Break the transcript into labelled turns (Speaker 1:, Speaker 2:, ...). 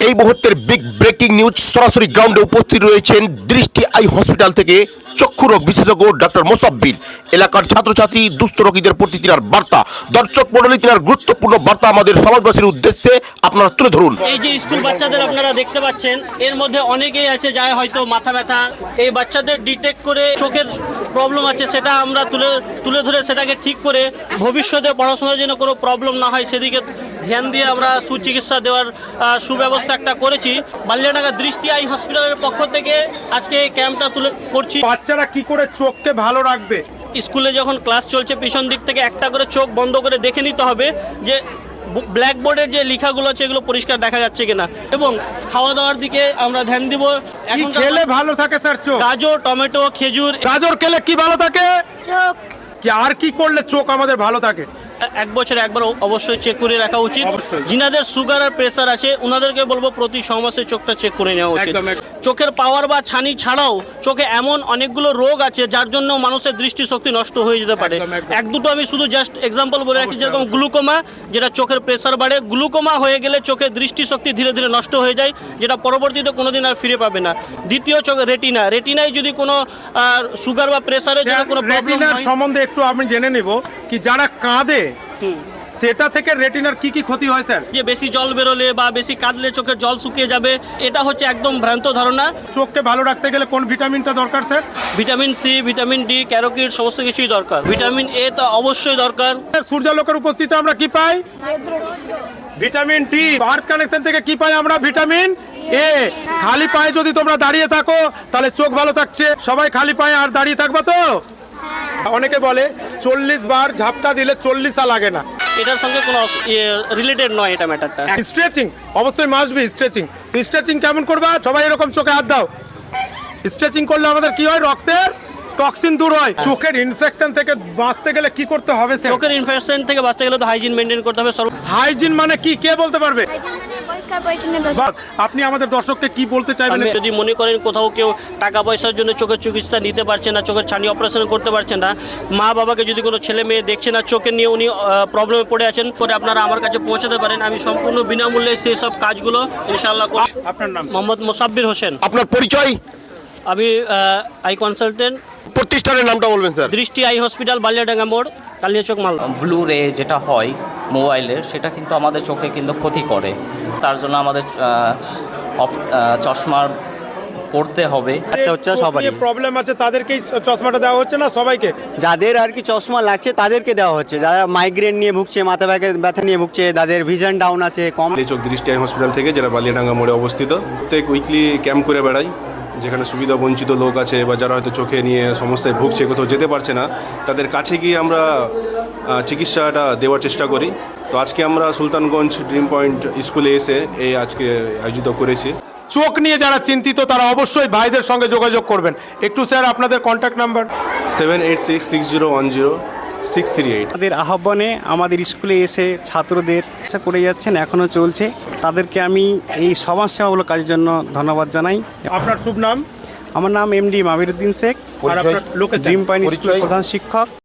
Speaker 1: এই মুহূর্তের big breaking news সরাসরি গ্রাউন্ডে উপস্থিত রয়েছেন দৃষ্টি আই হসপিটাল থেকে চক্ষু রোগ বিশেষজ্ঞ ডক্টর মোসাব্বির। এলাকার ছাত্রছাত্রী দুস্থ রোগীদের প্রতি তিনার বার্তা, দর্শক মণ্ডলী তিনার গুরুত্বপূর্ণ বার্তা আমাদের সমাজবাসীর উদ্দেশ্যে আপনারা তুলে ধরুন।
Speaker 2: এই যে স্কুল বাচ্চাদের আপনারা দেখতে পাচ্ছেন, এর মধ্যে অনেকেই আছে যারা হয়তো মাথা ব্যথা, এই বাচ্চাদের ডিটেক্ট করে চোখের প্রবলেম আছে সেটা আমরা তুলে ধরে সেটাকে ঠিক করে ভবিষ্যতে পড়াশোনার জন্য কোনো প্রবলেম না হয় সেদিকে ধ্যান দিয়ে আমরা সুচিকিৎসা দেওয়ার সুব্যবস্থা একটা করেছি। বালিয়াডাঙ্গা দৃষ্টি আই হসপিটালের পক্ষ থেকে আজকে এই ক্যাম্পটা করছি।
Speaker 3: বাচ্চারা কি করে চোখকে ভালো রাখবে?
Speaker 2: স্কুলে যখন ক্লাস চলছে পিছন দিক থেকে একটা করে চোখ বন্ধ করে দেখে নিতে হবে যে ব্ল্যাকবোর্ডের যে লেখাগুলো আছে এগুলো পরিষ্কার দেখা যাচ্ছে কিনা, এবং খাওয়া দাওয়ার দিকে আমরা ধ্যান দিব।
Speaker 3: কি খেলে ভালো থাকে স্যার চোখ?
Speaker 2: গাজর, টমেটো, খেজুর।
Speaker 3: গাজর খেলে কি ভালো থাকে?
Speaker 4: চোখ।
Speaker 3: কি আর কি করলে চোখ আমাদের ভালো থাকে?
Speaker 2: এক বছরে একবার অবশ্যই চেক করে রাখা উচিত।
Speaker 3: অবশ্যই।
Speaker 2: যিনাদের সুগার আর প্রেসার আছে ওনাদেরকে বলবো প্রতি 6 মাসে চোখটা চেক করে নেওয়া উচিত। চোখের পাওয়ার বা ছানি ছাড়াও চোখে এমন অনেকগুলো রোগ আছে যার জন্য মানুষের দৃষ্টিশক্তি নষ্ট হয়ে যেতে পারে। এক দুটো আমি শুধু জাস্ট এক্সাম্পল বলে রাখি, যেরকম গ্লুকোমা, যেটা চোখের প্রেসার বাড়ে। গ্লুকোমা হয়ে গেলে চোখের দৃষ্টিশক্তি ধীরে ধীরে নষ্ট হয়ে যায়, যেটা পরবর্তীতে কোনোদিন আর ফিরে পাবে না। দ্বিতীয় চোখে রেটিনায় যদি কোনো সুগার বা প্রেসারের জন্য কোনো প্রবলেম
Speaker 3: রেটিনার
Speaker 2: হয়,
Speaker 3: সম্বন্ধে একটু আমি জেনে নিব কি যারা কাঁদে সেটা থেকে রেটিনার কি কি ক্ষতি হয় স্যার?
Speaker 2: যে বেশি জল বেরোলে বা বেশি কাঁদলে চোখের জল শুকিয়ে যাবে, এটা হচ্ছে একদম ভ্রান্ত ধারণা।
Speaker 3: চোখকে ভালো রাখতে গেলে কোন ভিটামিনটা দরকার sir?
Speaker 2: Vitamin C, vitamin D, carotene সমস্ত কিছুই দরকার। ভিটামিন এ তো অবশ্যই দরকার।
Speaker 3: সূর্যালোকের উপস্থিতি আমরা কি পাই? Vitamin D. আর্থ কানেকশন থেকে কি পাই আমরা? Vitamin A. খালি পায়ে যদি তোমরা দাঁড়িয়ে থাকো তাহলে চোখ ভালো থাকছে। সবাই খালি পায়ে আর দাঁড়িয়ে থাকবা তো? অনেকে বলে 40 বার ঝাপটা দিলে 40 লাগে না।
Speaker 2: এটার সঙ্গে কোনো রিলেটেড নয় এটা ম্যাটারটা।
Speaker 3: স্ট্রেচিং অবশ্যই মাস্ট বি। স্ট্রেচিং কেমন করবা? সবাই এরকম চোখে হাত দাও। স্ট্রেচিং করলে আমাদের কি হয়? রক্তের টক্সিন দূর হয়। চোখের ইনফেকশন থেকে বাঁচতে গেলে কি করতে হবে স্যার?
Speaker 2: চোখের ইনফেকশন থেকে বাঁচতে গেলে তো হাইজিন মেনটেন করতে হবে।
Speaker 3: হাইজিন মানে কি, কে বলতে পারবে?
Speaker 4: পরিষ্কার পরিচ্ছন্ন।
Speaker 3: আপনি আমাদের দর্শককে কি বলতে চাইবেন?
Speaker 2: আমি যদি মনে করেন কোথাও কেউ টাকা পয়সার জন্য চোখের চিকিৎসা নিতে পারছে না, চোখের ছানি অপারেশন করতে পারছে না, মা বাবাকে যদি কোনো ছেলে মেয়ে দেখছে না, চোখে নিয়ে উনি প্রবলেমে পড়ে আছেন, করে আপনারা আমার কাছে পৌঁছাতে পারেন। আমি সম্পূর্ণ বিনামূল্যে সেই সব কাজগুলো ইনশাআল্লাহ করি।
Speaker 3: আপনার নাম?
Speaker 2: মোহাম্মদ মোসাব্বির হোসেন।
Speaker 1: আপনার পরিচয়?
Speaker 2: আমি আই কনসালটেন্ট।
Speaker 1: প্রতিষ্ঠানের নামটা বলবেন স্যার?
Speaker 2: দৃষ্টি আই হসপিটাল, বালিয়াডাঙ্গা মোড়, কালিয়াচক, মালদা।
Speaker 5: ব্লু রে যেটা হয় মোবাইলের, সেটা কিন্তু আমাদের চোখে কিন্তু ক্ষতি করে। তার জন্য আমাদের চশমা পড়তে হবে।
Speaker 3: সবারই প্রবলেম আছে তাদেরকেই চশমাটা দেওয়া হচ্ছে না সবাইকে?
Speaker 6: যাদের আর কি চশমা লাগছে তাদেরকে দেওয়া হচ্ছে। যারা মাইগ্রেন নিয়ে ভুগছে, মাথা ব্যথা নিয়ে ভুগছে, যাদের ভিশন ডাউন আছে, কম।
Speaker 7: এই চোখ দৃষ্টি আই হসপিটাল থেকে, যেটা বালিয়াডাঙ্গা মোড়ে অবস্থিত, প্রত্যেক উইকলি ক্যাম্প করে বেড়াই, যেখানে সুবিধা বঞ্চিত লোক আছে বা যারা হয়তো চোখে নিয়ে সমস্যায় ভুগছে, কোথাও যেতে পারছে না, তাদের কাছে গিয়ে আমরা চিকিৎসাটা দেওয়ার চেষ্টা করি। তো আজকে আমরা সুলতানগঞ্জ ড্রিম পয়েন্ট স্কুলে এসে আজকে আয়োজিত করেছি।
Speaker 3: চোখ নিয়ে যারা চিন্তিত তারা অবশ্যই ভাইদের সঙ্গে যোগাযোগ করবেন। একটু স্যার আপনাদের কন্ট্যাক্ট নাম্বার?
Speaker 7: 7866010638।
Speaker 6: তাদের আহ্বানে আমাদের স্কুলে এসে ছাত্রদের চিকিৎসা করে যাচ্ছেন, এখনও চলছে। তাদেরকে আমি এই সমাজসেবামূলক কাজের জন্য ধন্যবাদ জানাই।
Speaker 3: আপনার শুভ নাম?
Speaker 6: আমার নাম এমডি মাবিরুদ্দিন শেখ,
Speaker 3: আর আপনার লোকেশন?
Speaker 6: ড্রিম পয়েন্ট স্কুলের প্রধান শিক্ষক।